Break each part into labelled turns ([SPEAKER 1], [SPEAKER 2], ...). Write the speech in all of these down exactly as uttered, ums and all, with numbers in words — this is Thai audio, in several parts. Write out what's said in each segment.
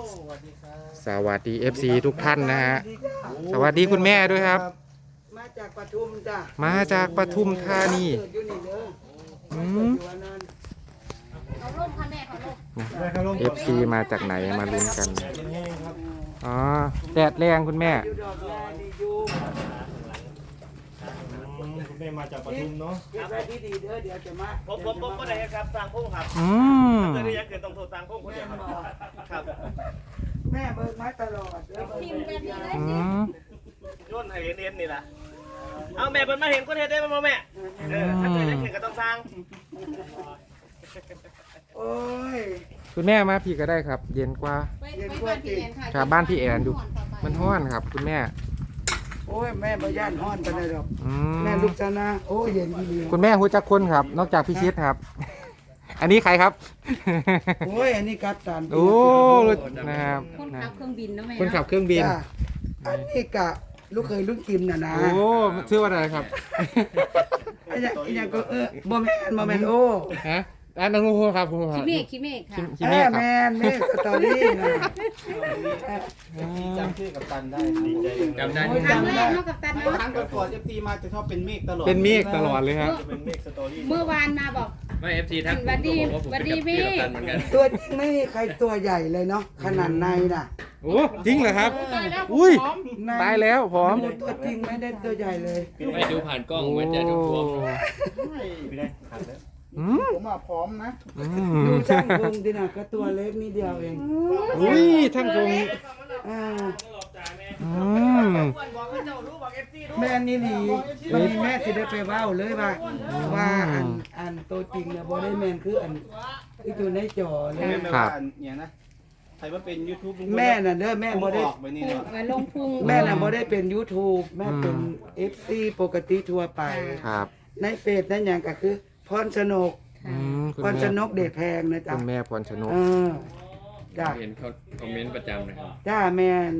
[SPEAKER 1] สวัสดี เอฟ ซี ทุกท่านนะฮะสวัสดีคุณแม่ด้วยครับ
[SPEAKER 2] มาจากปทุมจ้ะ
[SPEAKER 1] มาจากปทุมธานีอืม เอฟ ซี มาจากไหนมาลุ้นกันอ๋อแดดแรงคุณแม่
[SPEAKER 3] คุณแม่มาจากปทุมเนาะ
[SPEAKER 2] เก็บไว้ดีๆเด้อเดี๋ยวจะมา
[SPEAKER 4] ผมผมผมก็ได้ครับสร้างพงครับ
[SPEAKER 1] อืม
[SPEAKER 4] เกิดได้ยังเกิดต้องโทรสร้างพงคนเดียวครับ
[SPEAKER 2] แม่เบิกมาตลอดเด้อ
[SPEAKER 1] อืม
[SPEAKER 4] โยนให้เรียนนี่แหละเอาแม่เปิดมาเห็นคนเห็นได้ไหมแม่เออถ้าเกิดยังเกิดก็ต้องสร้าง
[SPEAKER 2] โอ้ย
[SPEAKER 1] คุณแม่มาพี่ก็ได้ครับ เย็นกว่า
[SPEAKER 2] เย็นกว่าจริง
[SPEAKER 1] ครับบ้านพี่แอนดูมันห้อนครับ คุณแม่
[SPEAKER 2] โอ้ยแม่บ่ย่านฮ้อนปานใดดอก
[SPEAKER 1] อืม
[SPEAKER 2] แม่ลูกชนะโอ้ยเย็นดี
[SPEAKER 1] คุณแม่หูจักคนครับ นอกจากพี่ชิดครับ อันนี้ใครครับ
[SPEAKER 2] โอ้ยอันนี้กัปตัน
[SPEAKER 1] โอ้นะครับ
[SPEAKER 5] คนขับเครื่องบินนะแม่
[SPEAKER 1] คนขับเครื่องบิน
[SPEAKER 2] จ้ะอันนี้กะลูกเคยลูกกิมน่ะนะ
[SPEAKER 1] โอ้ชื่อว่าอะไรครับ
[SPEAKER 2] อันนี้อันนี้ก็เออบ่แม่นบ่แม่นโอ้
[SPEAKER 1] ฮะอันนั้นคุณครูครับคุณครูค
[SPEAKER 5] คิ
[SPEAKER 1] รับ
[SPEAKER 5] เมฆคิเมฆค่ะ
[SPEAKER 1] คิ
[SPEAKER 2] เอ
[SPEAKER 1] เม
[SPEAKER 2] อ
[SPEAKER 1] ฆครับ
[SPEAKER 2] แม่นแม่สตอรี่นะ
[SPEAKER 3] จำชื่อกับตันได้ดีใจ
[SPEAKER 4] จำได้
[SPEAKER 2] โอ้ย
[SPEAKER 5] ครั้ง
[SPEAKER 2] จำ
[SPEAKER 5] แร
[SPEAKER 2] ได้
[SPEAKER 5] กเท่ากับตัน
[SPEAKER 3] ค
[SPEAKER 5] เนาะ
[SPEAKER 3] รั้งก่อนๆเอฟซีมาจะชอบเป็นเมฆตลอด
[SPEAKER 1] เป็นเมฆตลอดเลยครับ
[SPEAKER 3] จะเป็นเมฆสตอรี่
[SPEAKER 5] เมื่อวานมาบอก
[SPEAKER 4] ไม่เอฟซีทัก
[SPEAKER 5] วันดีวันดีพี่
[SPEAKER 2] ตัวจริงไม่มีใครตัวใหญ่เลยเนาะขนาดในน่ะ
[SPEAKER 1] โอ้จริงเหรอครับ อุ้ย
[SPEAKER 2] ใน
[SPEAKER 1] ตายแล้วพร้อม
[SPEAKER 2] ตัวจริงไม่ได้ตัวใหญ่เลย
[SPEAKER 4] ไม่ดูผ่านกล้องเหมือนจะดูตัว
[SPEAKER 3] ไม่ได้ขาดแล้ว
[SPEAKER 1] อืม
[SPEAKER 3] ผมมาพร้อมนะ
[SPEAKER 1] อื
[SPEAKER 2] ดู
[SPEAKER 1] ม
[SPEAKER 2] ช่างพงดิน่ะก็ตัวเล็กนิดเดียวเอง
[SPEAKER 1] อุ้ยท่านคง
[SPEAKER 2] อ่า
[SPEAKER 1] อืม
[SPEAKER 2] แม่นี่นี่วันนี้แม่สิได้ไปเว้าเลยว่าว่าอันอันตัวจริงเนี่ยบ่ได้แม่นคืออันที่อยู่ในจอเลย
[SPEAKER 3] แม่ไม่ว่าอย่างนะใครว่าเป็นยูทูบ
[SPEAKER 2] แม่น่ะเด้อแม่บ่ได้
[SPEAKER 3] ออกไปนี่เนาะ
[SPEAKER 5] มาลงพุง
[SPEAKER 2] แม่น่ะบ่ได้เป็น YouTube แม่เป็น เอฟ ซี ปกติทั่วไป
[SPEAKER 1] ครับ
[SPEAKER 2] ในเฟซนั่นหยังก็คือพรชนก
[SPEAKER 1] อืมคุณ
[SPEAKER 2] พรช
[SPEAKER 1] แม่
[SPEAKER 2] นกเดชแพงนะจ๊ะ
[SPEAKER 1] คุณแม่พรชนก
[SPEAKER 2] เออจ้ะ
[SPEAKER 4] เห็นเขาคอมเมนต์ประจำเลยครับ
[SPEAKER 2] จ้าแมน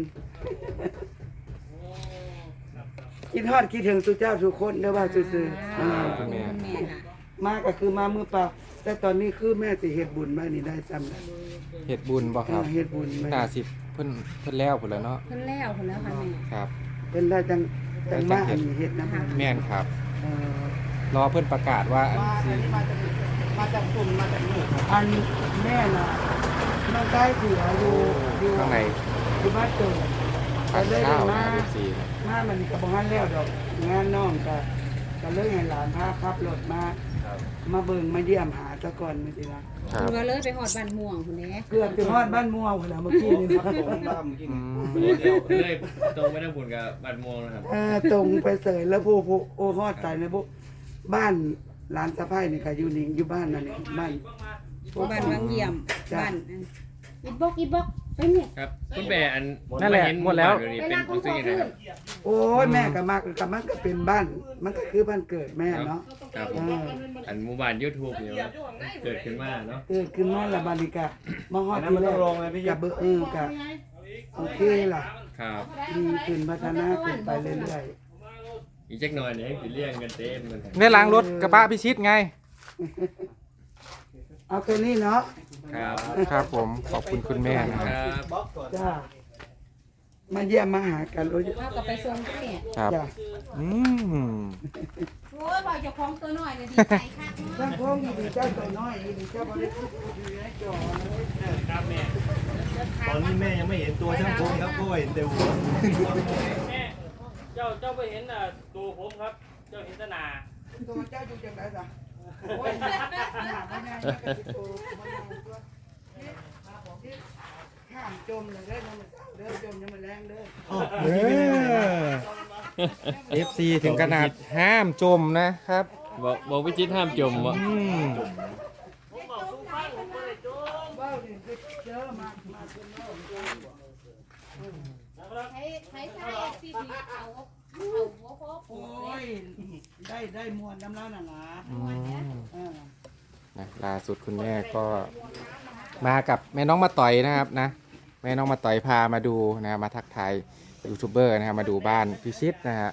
[SPEAKER 2] คิดฮอดคิดถึงสุเจ้าสุคนเด้อว่าซื่อๆอ่า
[SPEAKER 1] คุณแม่
[SPEAKER 5] คุณแม่ค่ะ
[SPEAKER 2] มาก็คือมามือเปล่าแต่ตอนนี้คือแม่สิเฮ็ดบุญมานี่ได้ซ้ำนะ
[SPEAKER 1] เฮ็ดบุญบ่ครับ
[SPEAKER 2] เฮ็ดบุญมา
[SPEAKER 1] น่าสิเพิ่นเพิ่นแล้วพุ่นแล้วเนาะ
[SPEAKER 5] คนแล้วคนแล้วค่ะแม่
[SPEAKER 1] ครับ
[SPEAKER 2] เป็นได้จังจังมาอันนี้เฮ็ดนะ
[SPEAKER 1] แม่นครับ
[SPEAKER 2] เออ
[SPEAKER 1] รอเพิ่นประกาศว่าอันสิ
[SPEAKER 3] มาจากกลุ่มมาจากนี่ครับ
[SPEAKER 2] อันแม่น่ะมันได้เสียอยู่อยู่
[SPEAKER 1] ข้างใน
[SPEAKER 2] อยู่บ้านเกิด
[SPEAKER 1] ทาน
[SPEAKER 2] เลย
[SPEAKER 1] ข้าว
[SPEAKER 2] มา
[SPEAKER 1] นะ เอฟ ซี นะ
[SPEAKER 2] มามันก็บ่ทันแล้วดอกงานน้องก็ก็เลยให้หลานพาขับรถมา มาเบิ่งมาเยี่ยมหาซะก่อนมื้อนี้ล่ะ
[SPEAKER 1] ครั
[SPEAKER 5] คุ
[SPEAKER 1] บ
[SPEAKER 5] ณก็เลยไปหอดบ้านม่วงคุณแม่
[SPEAKER 2] เกือบจะฮอดบ้านม่วงพุ่นน่ะเมื่อกี้นี่
[SPEAKER 3] ครับผมบ้าเมื่อกี้
[SPEAKER 1] อื
[SPEAKER 3] นี่
[SPEAKER 1] ม
[SPEAKER 4] เดี๋ยวเลยตรงไม่ได้บุญกับบัตรมวงนะครับ
[SPEAKER 2] เออตรงไปเสยแล้วผู้ผู้โอ้ฮอดใจในพวกบ้านหลานสะพ้ายนี่ก็อยู่นี่อยู่บ้านนั่นนี่บ้าน
[SPEAKER 5] บ้านวังเยี่ยมบ้านอิดบกอิดบกไปเนี่ย
[SPEAKER 4] ครับคุณแม่อัน
[SPEAKER 1] นั่นแหละหมดแล้ว
[SPEAKER 4] เป็นรู้สึกยังไงครับ
[SPEAKER 2] โอ้ยแม่ก็มากกับมันก็เป็นบ้าน มันก็คือบ้านเกิดแม่เนาะ
[SPEAKER 4] ครับ
[SPEAKER 2] เออ
[SPEAKER 4] อันหมู่บ้านยูทูบเนี่ยเกิดขึ้นมาเนาะ
[SPEAKER 2] เกิดขึ้นมาละบาลิกะมาฮอด
[SPEAKER 3] นั้น
[SPEAKER 2] ที่
[SPEAKER 3] มัน
[SPEAKER 2] แร
[SPEAKER 3] ต้อง
[SPEAKER 2] ก
[SPEAKER 3] ลงเลยพี่
[SPEAKER 2] กับเบอร์เออกับโอเคล่ะ
[SPEAKER 4] ครับ
[SPEAKER 2] ดีขึ้นพัฒนาขึ้นไปเรื่อย
[SPEAKER 4] อีกจักหน่อยเนี่ยให้เลี้ยงกันเต็มเลยครับ
[SPEAKER 1] ได้ล้างรถกระบะพิชิตไง
[SPEAKER 2] ๆเอาแค่นี้เนาะ
[SPEAKER 4] ครับ
[SPEAKER 1] ครับผม ขอบคุณคุณแม่นะค
[SPEAKER 4] ครับ รับ
[SPEAKER 3] บล็อกก่อน
[SPEAKER 2] จ้ามาเยี่ยมมาหากันโอ้ย
[SPEAKER 5] เอากลับไปส่งที่เนี่ย
[SPEAKER 1] ครับ
[SPEAKER 2] จ้า
[SPEAKER 1] อืม
[SPEAKER 5] โอ้ยบอกเจ้าของตัวน้อยเนี่ยดีใจค่ะ
[SPEAKER 2] ท่านพ่อมีดีเจ้าตัวน้อยดีเจ้าบ่ได้พูดอยู่ในจอเลย
[SPEAKER 4] ครับแม่
[SPEAKER 3] ตอนนี้แม่ยังไม่เห็นตัวช่างพงครับก็เห็นแต่หัว
[SPEAKER 6] แม่เจ้าเจ้าไปเห็นอ่ะตัวผมครับ เจ้าเห็นแตหนา
[SPEAKER 2] ตัวเจ้าอยู่จังไดจ้ะโอ้ยหนาไม่แน่ก็สิโตมันเอาตัวนี่ห้ามจมเลยเด้อมันเด้อจมยังมันแรงเด้อ
[SPEAKER 1] เออ เอฟ ซี ถึงขนาดห้ามจมนะครับ
[SPEAKER 4] บอกบอกวิจิตรห้ามจมวะ
[SPEAKER 1] อืม
[SPEAKER 2] ว้าวนี่คือเจอมามาจนเนาะ
[SPEAKER 5] ใช้ใช้ใช้ซีทีเอาเอาหัวโป๊ะ
[SPEAKER 2] โอ้ยได้ได้มวลน้ำเล่าน่ะนะ
[SPEAKER 1] อืม
[SPEAKER 2] เออ
[SPEAKER 1] นะล่าสุดคุณแม่ก็มากับแม่น้องมาต่อยนะครับนะ แม่น้องมาต่อยพามาดูนะมาทักทายยูทูบเบอร์นะครับมาดูบ้านพิชิตนะฮะ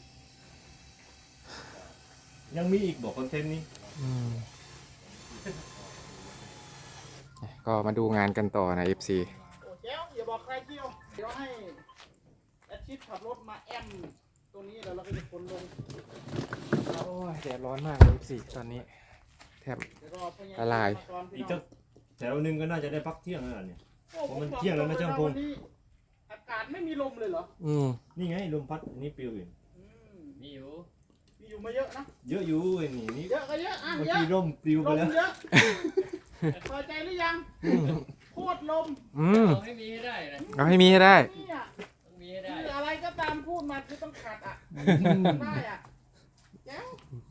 [SPEAKER 3] ยังมีอีกบอกคอนเทนต์นี้
[SPEAKER 1] อืมก็มาดูงานกันต่อนะ เอฟ ซี
[SPEAKER 2] อย่าบอกใครเที่ยวเดี๋ยวให้แอดชิดขับรถมาแอมตรงนี้แล้วเราก็จะขนลง
[SPEAKER 1] โอ้ยแดดร้อนมากเลยสิตอนนี้แทบ
[SPEAKER 2] เดี๋ยวรอพญา
[SPEAKER 1] ละลาย
[SPEAKER 2] มาก่อนพี่
[SPEAKER 3] อีก
[SPEAKER 2] น้
[SPEAKER 3] สั
[SPEAKER 2] อง
[SPEAKER 3] กแถวหนึงก็น่าจะได้พักเที่ยงแล้วล่ะเนี่ย
[SPEAKER 2] โอ้
[SPEAKER 3] เพราะมัน
[SPEAKER 2] ผบอก
[SPEAKER 3] เที่ยงแล้วนะช่างพง
[SPEAKER 2] วันนี้อากาศไม่มีลมเลยเหรอ
[SPEAKER 1] อืม
[SPEAKER 3] นี่ไงลมพัดอันนี้ปลิวอยู่
[SPEAKER 2] อืม
[SPEAKER 6] มีอยู่
[SPEAKER 2] มีอยู่มาเยอะนะ
[SPEAKER 3] เยอะอยู่ไอ้นี่นี่
[SPEAKER 2] เยอะก็เยอะอ่ะ
[SPEAKER 3] เมื่อ
[SPEAKER 2] เยอะ
[SPEAKER 3] กี้ร่มปลิว
[SPEAKER 2] ล
[SPEAKER 3] ไป
[SPEAKER 2] ม
[SPEAKER 3] แล้ว
[SPEAKER 2] เยอะพอใจหรือยังโคตรลม
[SPEAKER 1] อืม
[SPEAKER 6] เอาให้มีให้ได้นะ
[SPEAKER 1] เอาให้มีให้ได้
[SPEAKER 2] นี่อ่ะ
[SPEAKER 6] ต้องมีให้ได้
[SPEAKER 2] คืออะไรก็ตามพูดมาคือต้องขัดอ่ะได้อ่ะแจ๋ว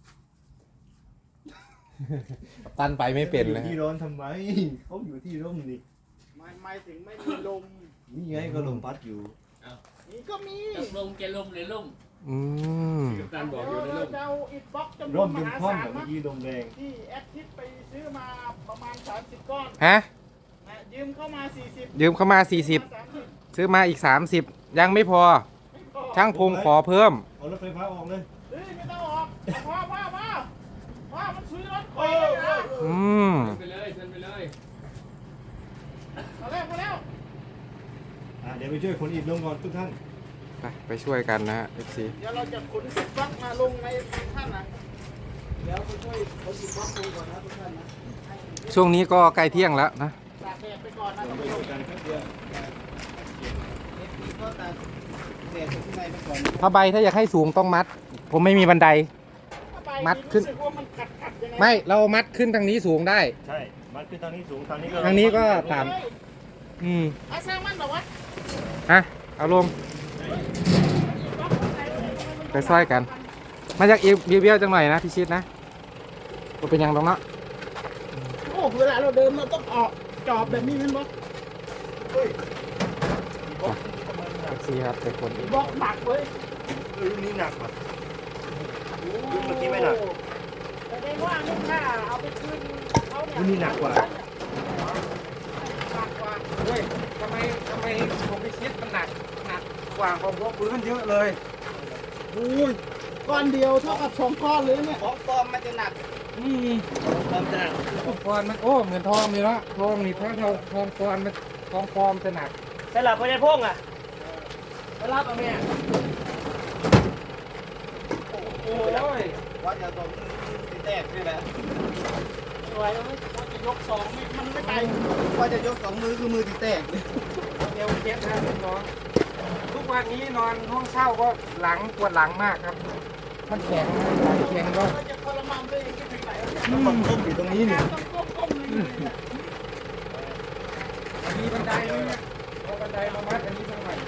[SPEAKER 1] ตันไปไม่เป็น
[SPEAKER 3] อยู่
[SPEAKER 1] เลย
[SPEAKER 3] ที่ร้อนทำไมเขาอยู่ที่ร่มนี่
[SPEAKER 2] ไม่ไม่ถึงไม่มีลม
[SPEAKER 3] นี่ไงก็ลมพัดอยู่
[SPEAKER 2] นี่ก็มี
[SPEAKER 6] ต้องลมแกลมหรือลม
[SPEAKER 1] อืม
[SPEAKER 6] กัปตันบอกอยู่ใน
[SPEAKER 2] เดี๋ยว
[SPEAKER 6] ล
[SPEAKER 2] เรา
[SPEAKER 6] ม
[SPEAKER 2] จะเอาอิฐบล็อกจำนว
[SPEAKER 3] ร่
[SPEAKER 2] น
[SPEAKER 3] ม
[SPEAKER 2] ม
[SPEAKER 3] จน
[SPEAKER 2] หา
[SPEAKER 3] คว่ำ
[SPEAKER 2] ศาล
[SPEAKER 3] อะเมื่อ
[SPEAKER 2] นะ
[SPEAKER 3] กี้ลมแรง
[SPEAKER 2] ที่แอดทิปไปซื้อมาประมาณสามสิบก้อน
[SPEAKER 1] ฮะ
[SPEAKER 2] นะยืมเข้ามาสี่สิบ
[SPEAKER 1] ยืมเข้ามาสี่สิบ
[SPEAKER 2] สามสิบ
[SPEAKER 1] ซื้อมาอีกสามสิบยังไม่พอ ช่างพงขอเพิ่ม
[SPEAKER 3] เอารถไฟฟ้าออกเลย
[SPEAKER 2] เฮ้ยไม่ต้องออกพ่อพ่อพ่อพ่อมันซื้อรถคอยเลยนะ
[SPEAKER 1] อืม
[SPEAKER 6] ไปเลยเชิญไปเลย
[SPEAKER 2] มาแล้วมาแล้ว
[SPEAKER 3] อ่ะเดี๋ยวไปช่วยคนอิฐลงก่อนทุกท่าน
[SPEAKER 1] ไปไปช่วยกันนะฮะ เอฟ ซี
[SPEAKER 2] เดี๋ยวเราจะขนอิฐบล็อกมาลงในท่านนะเดี๋ยวไปช่วยขนอิฐบล็อกลงก่อนนะทุกท่านนะให้
[SPEAKER 1] ช่วงนี้ก็ใกล้เที่ยงแล้วนะ
[SPEAKER 2] ตากแดดไปก่อนนะท่าน
[SPEAKER 3] ไป
[SPEAKER 2] ผู้ช
[SPEAKER 3] ช่ว
[SPEAKER 2] ม
[SPEAKER 3] ยกันแป๊บเดียว
[SPEAKER 2] ก็ตากแดดข้างในไปก่อน
[SPEAKER 1] ผ้าใบถ้าอยากให้สูงต้องมัด ผมไม่มีบันได มัดขึ้น
[SPEAKER 2] รู้สึกว่ามันกัดกัดยังไง
[SPEAKER 1] ไม่เรามัดขึ้นทางนี้สูงได้
[SPEAKER 3] ใช่มันขึ้นทางนี้สูงทางนี้ก็
[SPEAKER 1] ทางนี้ก็ต่
[SPEAKER 2] เฮ้ย
[SPEAKER 1] อืม
[SPEAKER 2] เอาสร้างมันเหรอวะ
[SPEAKER 1] ฮะเอาลงไปซ้อยกัน มาจากอีเบี้ยวๆจังหน่อยนะพี่ชิดนะก็เป็นยังตรงเนาะ
[SPEAKER 2] โอ้เวลาเราเดินเราต้องออกจอบแบบนี้แมันบล็อก
[SPEAKER 3] เฮ้ย
[SPEAKER 1] เอฟซีครับเป็นคนอีก
[SPEAKER 2] บล็อกหนักเว้ย
[SPEAKER 3] เออรุ่นนี้หนักว่ะ รุ่นเมื่อกี้ไม่หนัก
[SPEAKER 2] แสดงว่าลูกค้าเอาไปคืนเขาเนี่ย
[SPEAKER 3] รุ่นนี้หนักกว่า
[SPEAKER 2] หนักกว่า
[SPEAKER 1] เฮ้ยทำไมทำไมผมพี่ชิดมันหนักหนักกว่าของพวกพื้นเยอะเลยอุ้ย
[SPEAKER 2] ก้อนเดียวเท่ากับสองก้อนเลยเนี่ย
[SPEAKER 4] ของปลอมมันจะหนัก
[SPEAKER 1] อืม
[SPEAKER 4] ความจะหนัก
[SPEAKER 1] ทองปลอมมันโอ้เหมือนทองเลยเนาะทองนี่ทองทองทองปลอมมันทองปลอมจะหนัก
[SPEAKER 4] สลับพญาพงอ่ะสลับเอาแม่
[SPEAKER 1] โอ้ย
[SPEAKER 4] ว่าจะต้องตีแตกนี่แหละ
[SPEAKER 2] ไม่ไหวแล้วว่าจะยกสองไม่มันไม่ไป
[SPEAKER 4] ว่าจะยกสองมือคือมือตีแตก
[SPEAKER 1] เอวเจ็บนะน้องทุกวันนี้นอนห้องเช่าก็หลังปวดหลังมากครับ มันแข็งนะหลังแข็งก็
[SPEAKER 2] เราจะทรมานตัวเองไปถึงไหนวะเนี่ย
[SPEAKER 3] ต้องต้มอยู่ตรงนี้นี่
[SPEAKER 2] ต้องก้มก้มๆเลยเนี่ย
[SPEAKER 1] มีบันไดเลยนะเอาบันไดมามัดอันนี้สักหน่อย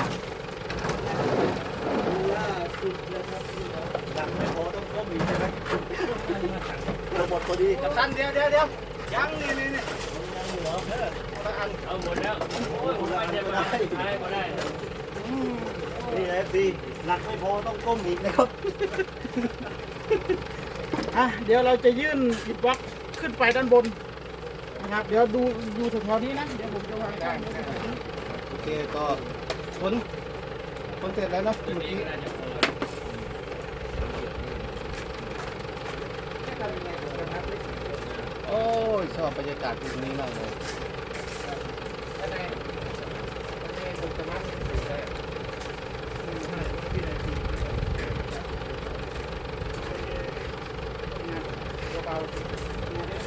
[SPEAKER 3] หนักไม่พอต้องต้มอีกใช่ไหม
[SPEAKER 4] ระบบพอดีกับตันเดี๋ยวเดี๋ยวเดี๋ยวยังนี่นี่นี่
[SPEAKER 6] เอาหมดแล้วโอ้ยผมไปเจ็บได้ได้ก็ได้
[SPEAKER 3] นี่นะเอฟซีหนักไม่พอต้องต้มอีกนะครับ
[SPEAKER 2] อ่ะเดี๋ยวเราจะยื่นอิฐบล็อกขึ้นไปด้านบนนะครับ เดี๋ยวดูดูแถวๆนี้นะ เดี๋ยวผมจะวางได้
[SPEAKER 4] โอเคก็ผลผลเสร็จแล้วเนาะ
[SPEAKER 6] ตัว
[SPEAKER 4] เมื่อ
[SPEAKER 6] นี้
[SPEAKER 4] กี้
[SPEAKER 6] ก็น่าจะพอ
[SPEAKER 4] โอ้ยชอบบรรยากาศตรงนี้มากเลย
[SPEAKER 1] บันไดบันไดผมจะมัดให้ถึงได้
[SPEAKER 2] เบา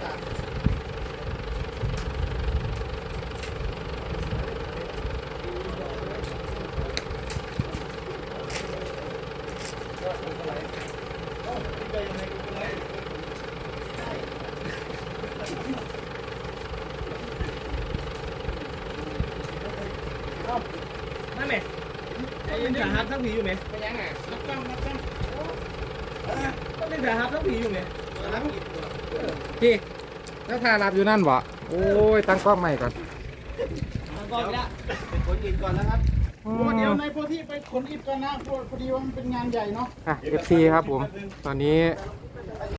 [SPEAKER 4] นั่นไหมไอ้ยังหาทั้งผีอยู่ไหม
[SPEAKER 1] ไม่ยังไง
[SPEAKER 2] นักกล้องนักกล้อง
[SPEAKER 4] ต้องเล่นหาทั้งผีอยู่ไหม
[SPEAKER 1] พี่แล้วทารับอยู่นั่นบ่โอ้ยตั้งกล้องใหม่ก่อน
[SPEAKER 4] ก็ไปละเป็นคนอื่นก่อนนะครับ
[SPEAKER 2] โอ้เดี๋ยวในโพธิไปขนอิฐก่อนนะพอพอดีว่ามันเป็นงานใหญ่เนาะ
[SPEAKER 1] อ่ะ เอฟ ซี ครับผม ตอนนี้